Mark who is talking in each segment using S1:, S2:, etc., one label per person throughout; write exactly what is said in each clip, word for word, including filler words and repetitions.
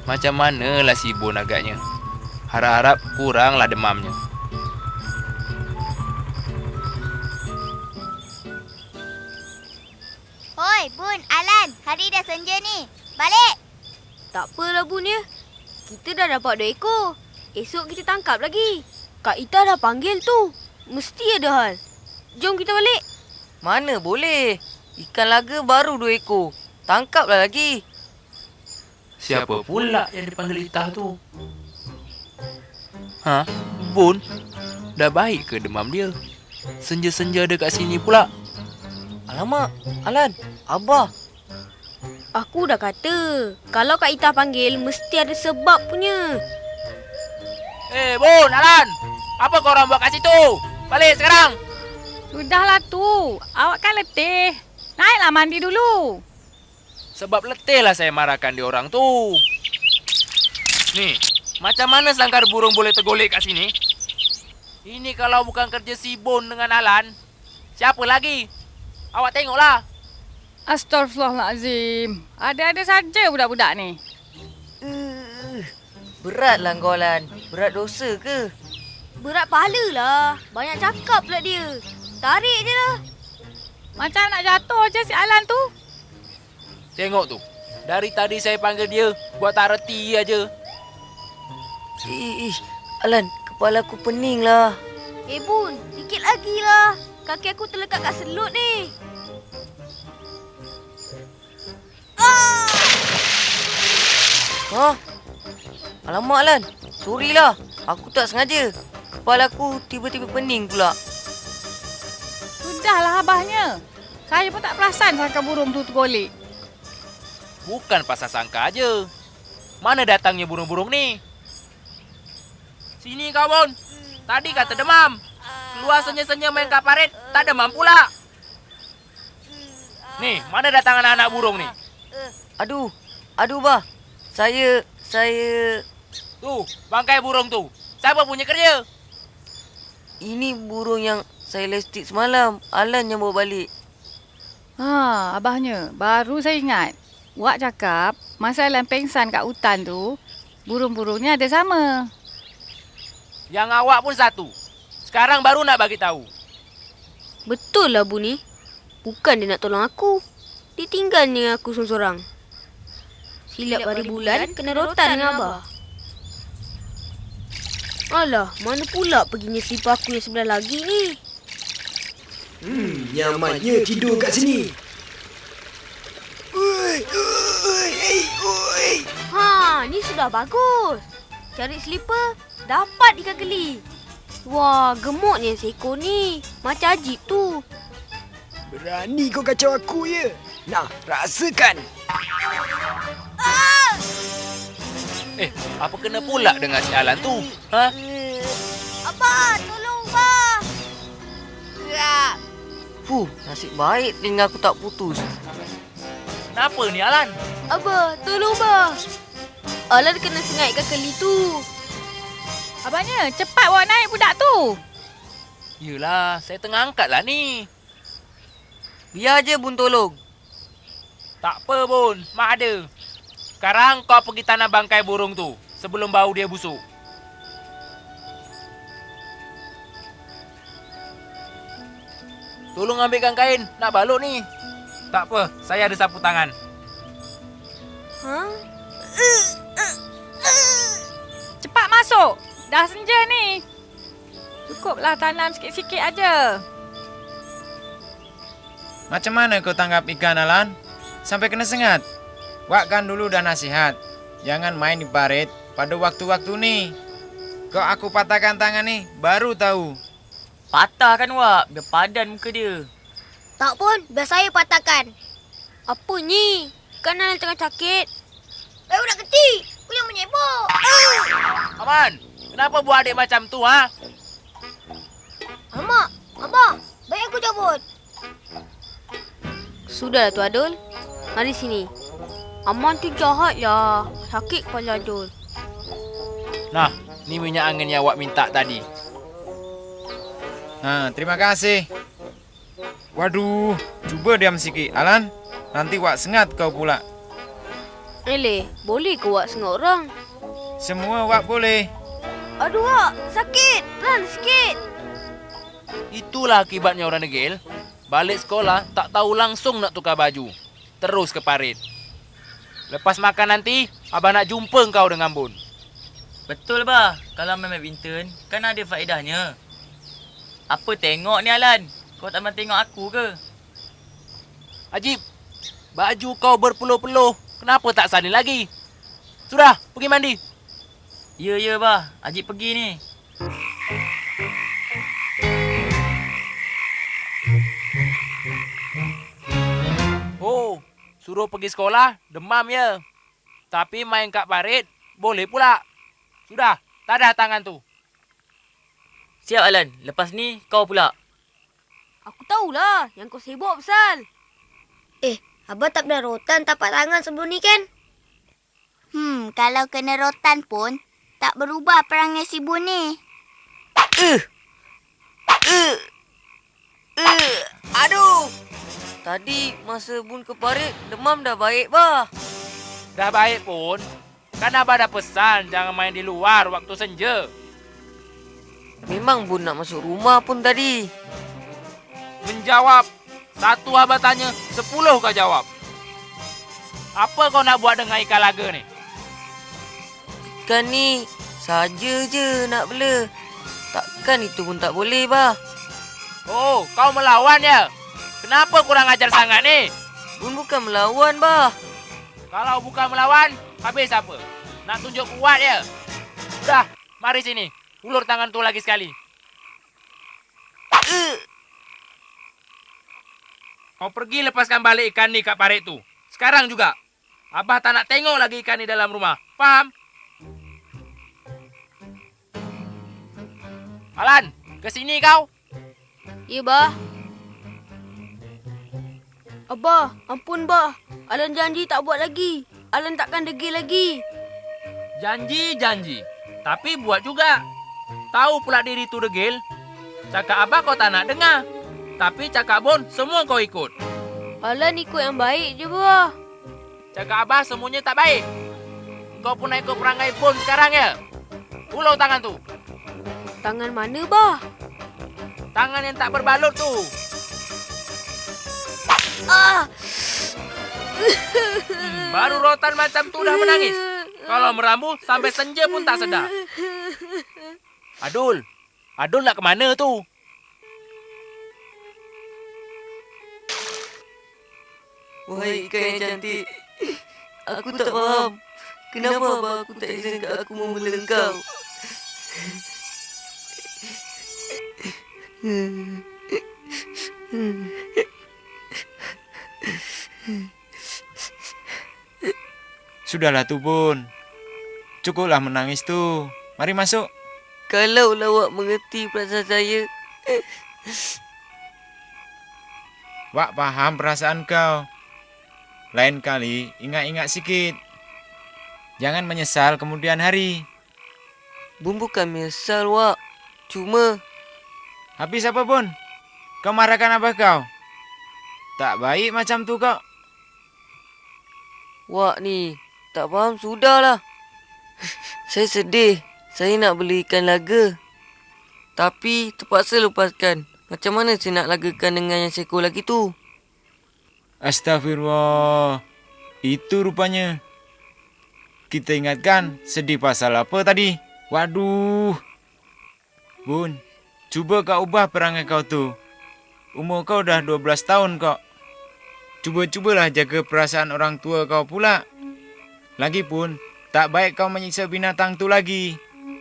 S1: Macam manalah si Bon agaknya. Harap-harap kuranglah demamnya.
S2: Hoi, Bun, Alan. Hari dah senja ni. Balik.
S3: Tak apalah Bun ya. Kita dah dapat dua ekor. Esok kita tangkap lagi. Kak Ita dah panggil tu. Mesti ada hal. Jom kita balik.
S4: Mana boleh. Ikan laga baru dua ekor. Tangkaplah lagi.
S1: Siapa pula yang dipanggil Itah tu? Ha? Bon? Dah baik ke demam dia? Senja-senja ada kat sini pula.
S4: Alamak, Alan, Abah.
S3: Aku dah kata. Kalau Kak Ita panggil, mesti ada sebab punya.
S1: Eh, Bon, Alan! Apa korang buat kat situ? Balik sekarang!
S5: Sudahlah tu. Awak kan letih. Naiklah mandi dulu.
S1: Sebab letih lah saya marahkan dia orang tu. Ni, macam mana sangkar burung boleh tergolek kat sini? Ini kalau bukan kerja si Bon dengan Alan, siapa lagi? Awak tengoklah.
S5: Astaghfirullahalazim. Ada-ada saja budak-budak ni.
S4: Uh, beratlah kau, Alan. Berat dosa ke?
S3: Berat pahala lah. Banyak cakap pula dia. Tarik je lah.
S5: Macam nak jatuh je si Alan tu.
S1: Tengok tu. Dari tadi saya panggil dia, buat tak reti aja.
S4: Ih, Alan, kepala aku pening lah.
S3: Eh Bun, sikit lagi lah. Kaki aku terlekat kat selut ni. Ah!
S4: Ha? Alamak, Alan. Sorry lah. Aku tak sengaja. Kepala aku tiba-tiba pening pula.
S5: Sudahlah abahnya. Saya pun tak perasan sangka burung tu tergolek.
S1: Bukan pasal sangka aja. Mana datangnya burung-burung ni? Sini kau, Bon. Tadi kata demam. Keluar senya-senya main kaparet, tak demam pula. Nih, mana datang anak-anak burung ni?
S4: Aduh, aduh bah. Saya, saya...
S1: Tuh, bangkai burung tu. Siapa punya kerja?
S4: Ini burung yang saya lestik semalam. Alan yang bawa balik.
S5: Ha, abahnya. Baru saya ingat. Wak cakap, masa Alan pengsan kat hutan tu, burung-burungnya ada sama.
S1: Yang awak pun satu. Sekarang baru nak bagi tahu.
S3: Betul lah Bu ni. Bukan dia nak tolong aku. Dia tinggal dengan aku seorang-seorang. Silap hari bulan, kena rotan dengan Abah. Alah, mana pula perginya selipar aku yang sebelah lagi ni?
S6: Hmm, nyamannya tidur kat sini. Oi, oi, hey, oi.
S3: Ha, ni sudah bagus. Cari selipar, dapat ikan geli. Wah, gemuknya seekor ni. Macam ajib tu.
S6: Berani kau kacau aku ya? Nah, rasakan.
S3: Ah!
S1: Eh, apa kena pula dengan si Alan tu? Ha?
S3: Abah, tolong Abah. Ya.
S4: Fuh, nasib baik telinga aku tak putus.
S1: Kenapa ni, Alan?
S3: Abah, tolong Abah. Alan kena sengat ikan geli tu.
S5: Abahnya, cepat bawa naik budak tu.
S1: Yelah, saya tengah angkat lah ni.
S4: Biar je Bun tolong.
S1: Tak apa, Bon. Mak ada. Sekarang kau pergi tanam bangkai burung tu sebelum bau dia busuk. Tolong ambilkan kain. Nak balut ni. Tak apa, saya ada sapu tangan.
S3: Ha?
S5: Cepat masuk. Dah senja ni. Cukuplah tanam sikit-sikit aja.
S7: Macam mana kau tangkap ikan, Alan? Sampai kena sengat. Wak kan dulu dah nasihat. Jangan main di parit pada waktu-waktu ni. Kau aku patahkan tangan ni, baru tahu.
S4: Patah kan Wak, biar padan muka dia.
S2: Tak pun, biar saya patahkan.
S3: Apa ni? Kan Alan tengah sakit.
S2: Eh, budak kecil. Aku yang menyebok.
S1: Aman, kenapa buat adik macam tu, ha?
S2: Alamak, Abang. Baik aku cabut.
S3: Sudahlah Tu Adul. Mari sini. Aman tu jahat lah. Sakit kepala Adul.
S1: Nah, ni minyak angin yang awak minta tadi.
S7: Ha, terima kasih. Waduh, cuba diam sikit, Alan. Nanti Wak sengat kau pula.
S3: Eleh, boleh ke Wak sengok orang?
S7: Semua Wak boleh.
S3: Aduh Wak, sakit. Pelan sikit.
S1: Itulah akibatnya orang degil. Balik sekolah tak tahu langsung nak tukar baju. Terus ke parit. Lepas makan nanti, abang nak jumpa kau dengan Bun.
S4: Betul bah. Kalau main badminton, kan ada faedahnya. Apa tengok ni Alan? Kau tak main tengok aku ke?
S1: Ajib, baju kau berpeluh-peluh. Kenapa tak salin lagi? Sudah, pergi mandi.
S4: Ya, ya bah. Ajib pergi ni.
S1: Oh, suruh pergi sekolah, demam ya. Tapi main kat parit, boleh pula. Sudah, tadah tangan tu.
S4: Siap Alan. Lepas ni kau pula.
S3: Aku tahulah yang kau sibuk pasal. Eh, Abah tak pernah rotan tapak tangan sebelum ni kan?
S2: Hmm, kalau kena rotan pun, tak berubah perangai si Bun ni.
S4: Uh. Uh. Uh. Aduh. Tadi masa Bun ke parit, demam dah baik bah.
S1: Dah baik pun, kan abah dah pesan jangan main di luar waktu senja.
S4: Memang Bun nak masuk rumah pun tadi.
S1: Menjawab, satu abah tanya, sepuluh kau jawab. Apa kau nak buat dengan ikan laga ni?
S4: Ikan ni saja je nak bela. Takkan itu pun tak boleh bah.
S1: Oh, kau melawan ya? Kenapa kurang ajar sangat ni?
S4: Bun bukan melawan bah.
S1: Kalau bukan melawan, habis apa? Nak tunjuk kuat ya? Dah, mari sini. Ulur tangan tu lagi sekali.
S4: Uh.
S1: Kau pergi lepaskan balik ikan ni kat parit tu. Sekarang juga. Abah tak nak tengok lagi ikan ni dalam rumah. Faham? Alan, ke sini kau.
S3: Ya, Bah. Abah, ampun Bah. Alan janji tak buat lagi. Alan takkan degil lagi.
S1: Janji-janji. Tapi buat juga. Tahu pula diri tu degil. Cakap Abah kau tak nak dengar. Tapi cakap Bun, semua kau ikut.
S3: Alan ikut yang baik je, Bah.
S1: Cakap Abah semuanya tak baik. Kau pun nak ikut perangai Bun sekarang ya? Ulur tangan tu.
S3: Tangan mana, Bah?
S1: Tangan yang tak berbalut tu.
S3: Ah!
S1: Hmm, baru rotan macam tu dah menangis. Kalau merambu sampai senja pun tak sedar. Adul. Adul nak ke mana tu?
S4: Wahai ikan yang cantik, aku tak faham. Kenapa abah aku tak izinkan aku membela engkau?
S7: Sudahlah tu Bun. Cukuplah menangis tu. Mari masuk.
S4: Kalau awak mengerti perasaan saya.
S7: Wak paham perasaan kau. Lain kali ingat-ingat sikit. Jangan menyesal kemudian hari.
S4: Bun bukan menyesal, Wak. Cuma...
S7: Habis apa Bun? Kau marahkan abah kau? Tak baik macam tu kau.
S4: Wak ni, tak faham sudahlah. Saya sedih. Saya nak beli ikan laga. Tapi terpaksa lepaskan. Macam mana saya nak lagakan dengan yang seekor lagi tu?
S7: Astagfirullah. Itu rupanya. Kita ingatkan sedih pasal apa tadi? Waduh. Bun, cuba kau ubah perangai kau tu. Umur kau dah dua belas tahun kok. Cuba-cubalah jaga perasaan orang tua kau pula. Lagipun, tak baik kau menyiksa binatang tu lagi.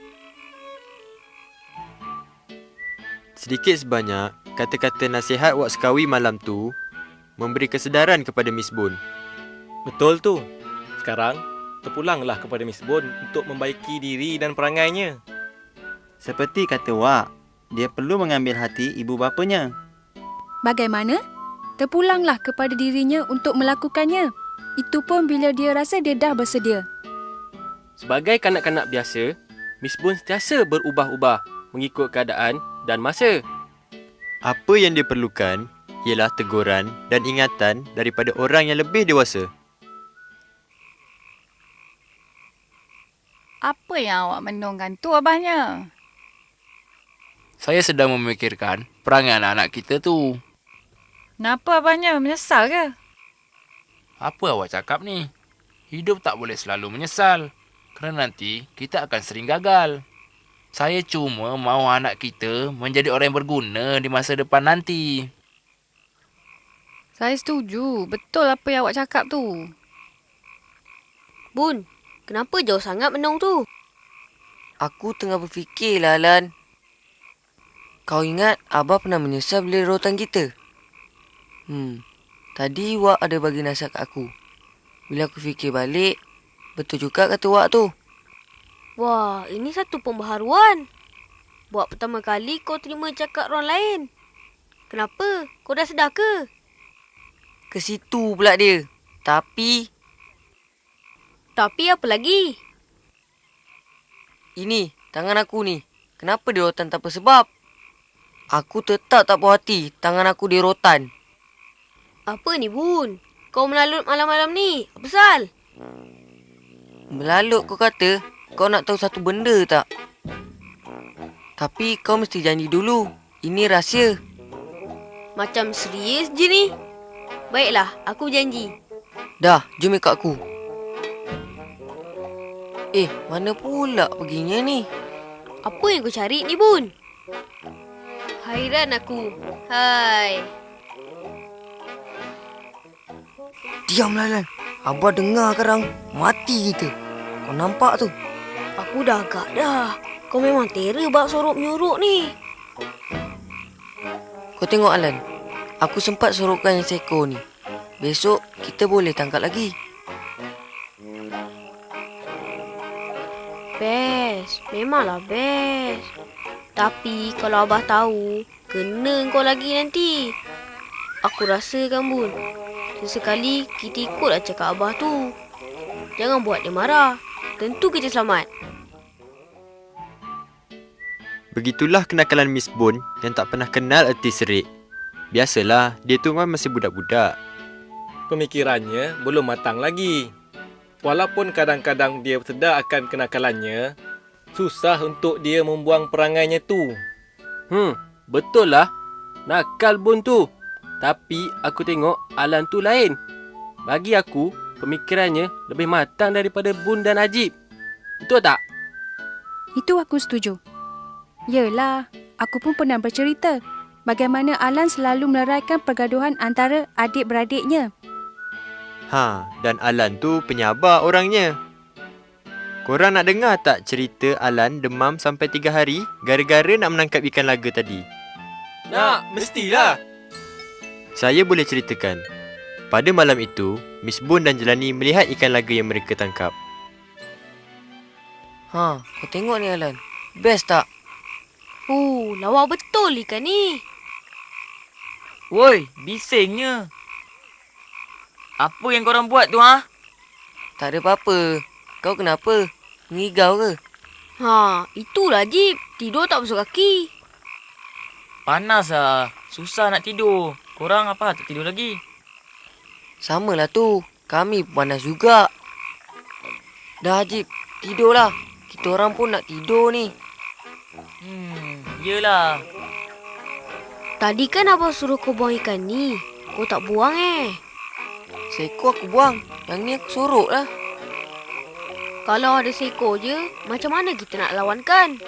S8: Sedikit sebanyak, kata-kata nasihat Wak Sekawi malam tu memberi kesedaran kepada Miss Bun.
S9: Betul tu. Sekarang, terpulanglah kepada Miss Bun untuk membaiki diri dan perangainya.
S10: Seperti kata Wak, dia perlu mengambil hati ibu bapanya.
S11: Bagaimana? Terpulanglah kepada dirinya untuk melakukannya. Itu pun bila dia rasa dia dah bersedia.
S9: Sebagai kanak-kanak biasa, Miss Bun sentiasa berubah-ubah mengikut keadaan dan masa.
S8: Apa yang dia perlukan ialah teguran dan ingatan daripada orang yang lebih dewasa.
S5: Apa yang awak menungkan tu abahnya?
S1: Saya sedang memikirkan perangai anak-anak kita tu.
S5: Kenapa abahnya? Menyesal ke?
S1: Apa awak cakap ni? Hidup tak boleh selalu menyesal. Kerana nanti kita akan sering gagal. Saya cuma mahu anak kita menjadi orang yang berguna di masa depan nanti.
S5: Saya setuju. Betul apa yang awak cakap tu.
S3: Bun, kenapa jauh sangat menung tu?
S4: Aku tengah berfikir lah, Alan. Kau ingat Abah pernah menyesal beli rotan kita? Hmm, tadi Wak ada bagi nasihat kat aku. Bila aku fikir balik, betul juga kata Wak tu.
S3: Wah, ini satu pembaharuan. Buat pertama kali kau terima cakap orang lain. Kenapa? Kau dah sedar ke?
S4: Ke situ pula dia. Tapi,
S3: Tapi apa lagi?
S4: ini tangan aku ni. Kenapa dia rotan tanpa sebab? Aku tetap tak puas hati tangan aku dia rotan.
S3: Apa ni, Bun? Kau melalut malam-malam ni. Apa pasal?
S4: Melalut kau kata, kau nak tahu satu benda tak? Tapi kau mesti janji dulu. Ini rahsia.
S3: Macam serius je ni. Baiklah, aku janji.
S4: Dah, jom ikut aku. Eh, mana pula perginya ni?
S3: Apa yang kau cari ni, Bun? Hairan aku. Hai.
S4: Diamlah, Lan. Abah dengar sekarang. Mati kita. Kau nampak tu?
S3: Aku dah agak dah. Kau memang terror bab sorok-menyorok ni.
S4: Kau tengok, Alan. Aku sempat sorokkan yang seekor ni. Besok kita boleh tangkap lagi.
S3: Best. Memanglah best. Tapi kalau Abah tahu, kena kau lagi nanti. Aku rasakan, Bun. Sesekali kita ikutlah cakap Abah tu. Jangan buat dia marah. Tentu kita selamat.
S8: Begitulah kenakalan Miss Bun yang tak pernah kenal erti serik. Biasalah, dia tu kan masih budak-budak.
S9: Pemikirannya belum matang lagi. Walaupun kadang-kadang dia sedar akan kenakalannya, susah untuk dia membuang perangainya tu. Hmm, betul lah. Nakal Bun tu. Tapi aku tengok Alan tu lain. Bagi aku, pemikirannya lebih matang daripada Bun dan Ajib. Betul tak?
S11: Itu aku setuju. Yelah, aku pun pernah bercerita bagaimana Alan selalu meleraikan pergaduhan antara adik-beradiknya.
S8: Ha, dan Alan tu penyabar orangnya. Korang nak dengar tak cerita Alan demam sampai tiga hari gara-gara nak menangkap ikan laga tadi?
S9: Nak, mestilah.
S8: Saya boleh ceritakan. Pada malam itu, Miss Bun dan Jelani melihat ikan laga yang mereka tangkap.
S4: Ha, kau tengok ni, Alan. Best tak?
S3: Oh, lawa betul ikan ni.
S12: Woi, bisingnya. Apa yang korang buat tu, ha?
S4: Tak ada apa-apa. Kau kenapa? Ngigau ke?
S3: Ha, itulah Jib. Tidur tak basuh kaki.
S12: Panas lah. Susah nak tidur. Korang apa tak tidur lagi?
S4: Samalah tu. Kami pun panas juga. Dah, Jib. Tidurlah. Kita orang pun nak tidur ni.
S12: Hmm, yelah.
S3: Tadi kan Abang suruh kau buang ikan ni. Kau tak buang eh.
S4: Seekor aku buang. Yang ni aku sorok lah.
S3: Kalau ada seekor je, macam mana kita nak lawankan?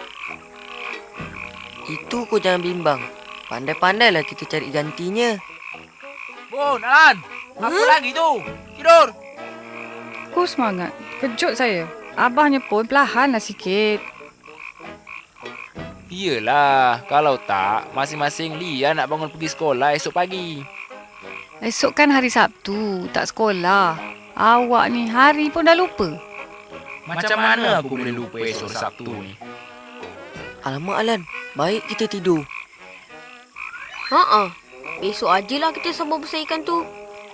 S4: Itu kau jangan bimbang. Pandai-pandailah kita cari gantinya.
S1: Bun, Alan. Apa huh? lagi tu? Tidur.
S5: Kau semangat. Kejut saya. Abahnya pun perlahanlah sikit.
S1: Iyalah, kalau tak, masing-masing Lia nak bangun pergi sekolah esok pagi.
S5: Esok kan hari Sabtu, tak sekolah. Awak ni hari pun dah lupa.
S1: Macam mana aku boleh lupa esok Sabtu ni?
S4: Alamak, Alan. Baik kita tidur.
S3: Haa, besok ajalah kita sambung besar ikan tu.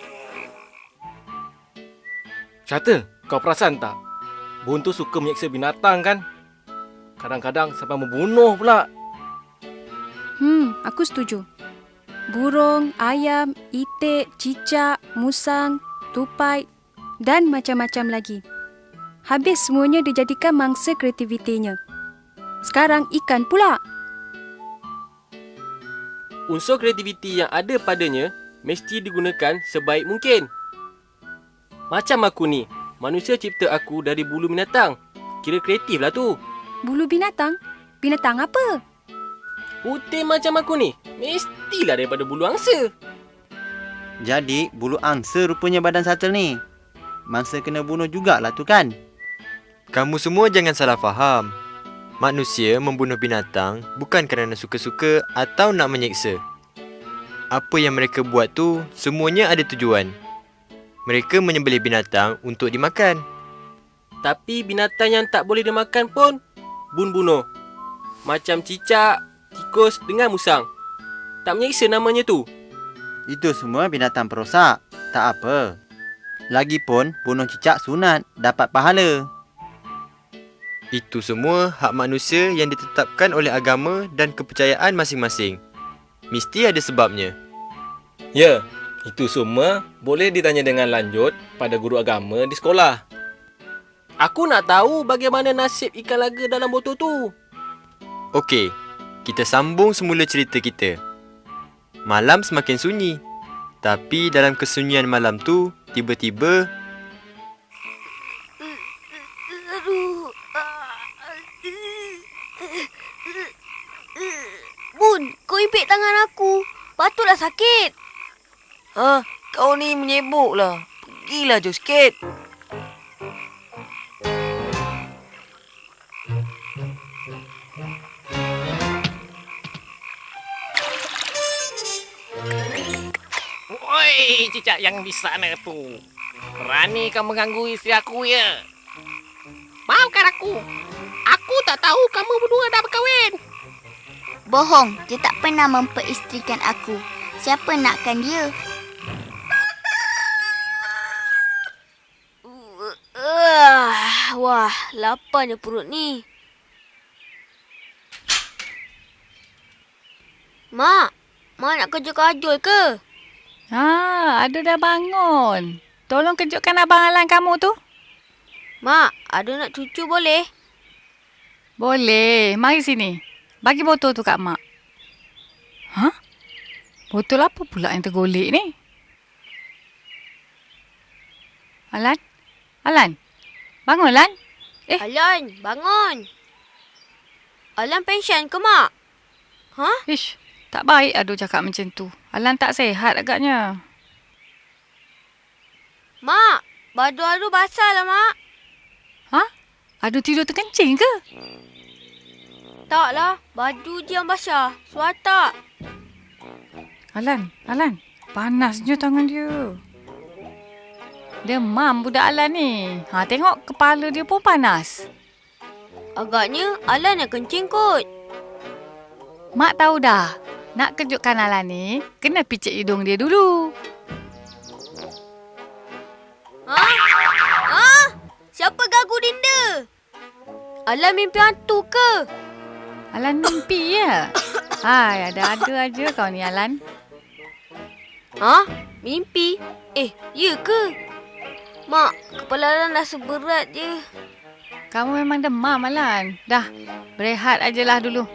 S9: Syata, kau perasan tak? Bun tu suka menyeksa binatang kan? Kadang-kadang sampai membunuh pula.
S11: Hmm, aku setuju. Burung, ayam, itik, cicak, musang, tupai dan macam-macam lagi. habis semuanya dijadikan mangsa kreativitinya. Sekarang ikan pula.
S9: Unsur kreativiti yang ada padanya mesti digunakan sebaik mungkin. Macam aku ni, manusia cipta aku dari bulu binatang. Kira kreatif lah tu.
S11: Bulu binatang? Binatang apa?
S9: Putih macam aku ni, mestilah daripada bulu angsa.
S10: Jadi, bulu angsa rupanya badan Satel ni. Mangsa kena bunuh jugalah tu kan?
S8: Kamu semua jangan salah faham. Manusia membunuh binatang bukan kerana suka-suka atau nak menyeksa. Apa yang mereka buat tu semuanya ada tujuan. Mereka menyembelih binatang untuk dimakan.
S9: Tapi binatang yang tak boleh dimakan pun bun bunuh. Macam cicak, tikus dengan musang. Tak menyeksa namanya tu.
S10: Itu semua binatang perosak. Tak apa. Lagipun, bunuh cicak sunat, dapat pahala.
S8: Itu semua hak manusia yang ditetapkan oleh agama dan kepercayaan masing-masing. Mesti ada sebabnya.
S9: Ya, itu semua boleh ditanya dengan lanjut pada guru agama di sekolah. Aku nak tahu bagaimana nasib ikan laga dalam botol tu.
S8: Okey, kita sambung semula cerita kita. Malam semakin sunyi. Tapi dalam kesunyian malam tu, tiba-tiba...
S3: Bun, kau impit tangan aku. Patutlah sakit.
S4: Ha, kau ni menyebuk lah. Pergilah jauh sikit.
S13: Oi, cicak yang di sana tu. Berani kau mengganggu isteri aku ya? Maafkan aku. Aku tak tahu kamu berdua dah berkahwin.
S2: Bohong, dia tak pernah memperistrikan aku. Siapa nakkan dia?
S3: Uh, wah, laparnya perut ni. Mak, Mak nak kerja kajul ke?
S5: Ha, Ado dah bangun. Tolong kejutkan Abang Alan kamu tu.
S3: Mak, Ado nak cucu boleh?
S5: Boleh. Mari sini. Bagi botol tu kat Mak. Ha? Botol apa pula yang tergolek ni? Alan? Alan? Bangun, Alan.
S3: Eh. Alan, bangun. Alan pension ke, Mak? Ha?
S5: Ish, tak baik Ado cakap macam tu. Alan tak sihat agaknya.
S3: Mak, baju Ado basah lah, Mak.
S5: Ha? Ado tidur terkencing ke?
S3: Taklah, baju je yang basah. Suar tak?
S5: Alan, Alan. Panasnya tangan dia. Demam budak Alan ni. Ha, tengok kepala dia pun panas.
S3: Agaknya Alan yang kencing kot.
S5: Mak tahu dah. Nak kejutkan Alan ni, kena picit hidung dia dulu.
S3: Ha? Ha? Siapa gagu dinda? Alan mimpi hantu ke?
S5: Alan mimpi ya? Hai, ada-ada aja kau ni Alan.
S3: Ha? Mimpi? Eh, ya ke? Mak, kepala Alan rasa berat je.
S5: Kamu memang demam Alan. Dah, berehat ajalah dulu.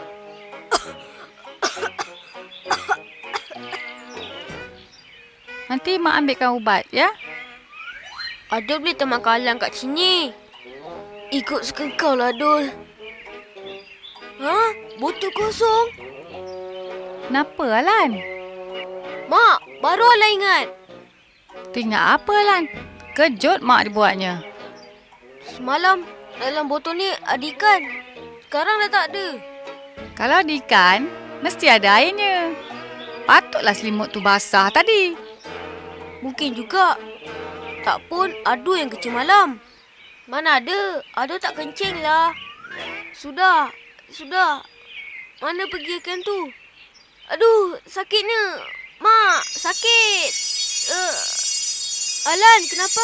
S5: Nanti Mak ambilkan ubat, ya?
S3: Adul boleh temankan Alan kat sini. Ikut suka kau lah, Adul. Ha? Botol kosong.
S5: Kenapa, Alan?
S3: Mak, baru Alan ingat.
S5: Teringat apa, Alan? Kejut Mak dibuatnya.
S3: Semalam, dalam botol ni ada ikan. Sekarang dah tak ada.
S5: Kalau ada ikan, mesti ada airnya. Patutlah selimut tu basah tadi.
S3: Mungkin juga. Tak pun Ado yang kecil malam. Mana ada? Ado tak kencing lah. Sudah. Sudah. Mana pergi ikan tu? Aduh, sakitnya. Mak, sakit. Uh, Alan, kenapa?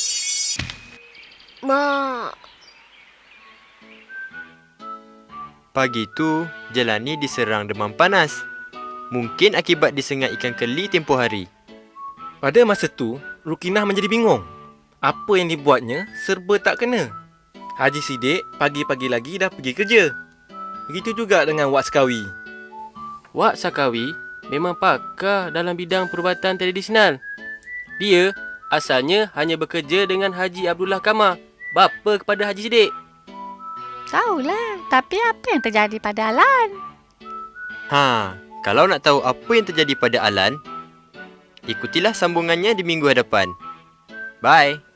S3: Mak.
S8: Pagi tu, Jelani diserang demam panas. Mungkin akibat disengat ikan keli tempoh hari.
S9: Pada masa tu, Rukinah menjadi bingung. Apa yang dibuatnya serba tak kena. Haji Sidik pagi-pagi lagi dah pergi kerja. Begitu juga dengan Wak Sekawi.
S14: Wak Sakawi memang pakar dalam bidang perubatan tradisional. Dia asalnya hanya bekerja dengan Haji Abdullah Kamar, bapa kepada Haji Sidik.
S5: Tahulah, tapi apa yang terjadi pada Alan?
S8: Ha, kalau nak tahu apa yang terjadi pada Alan, ikutilah sambungannya di minggu hadapan. Bye.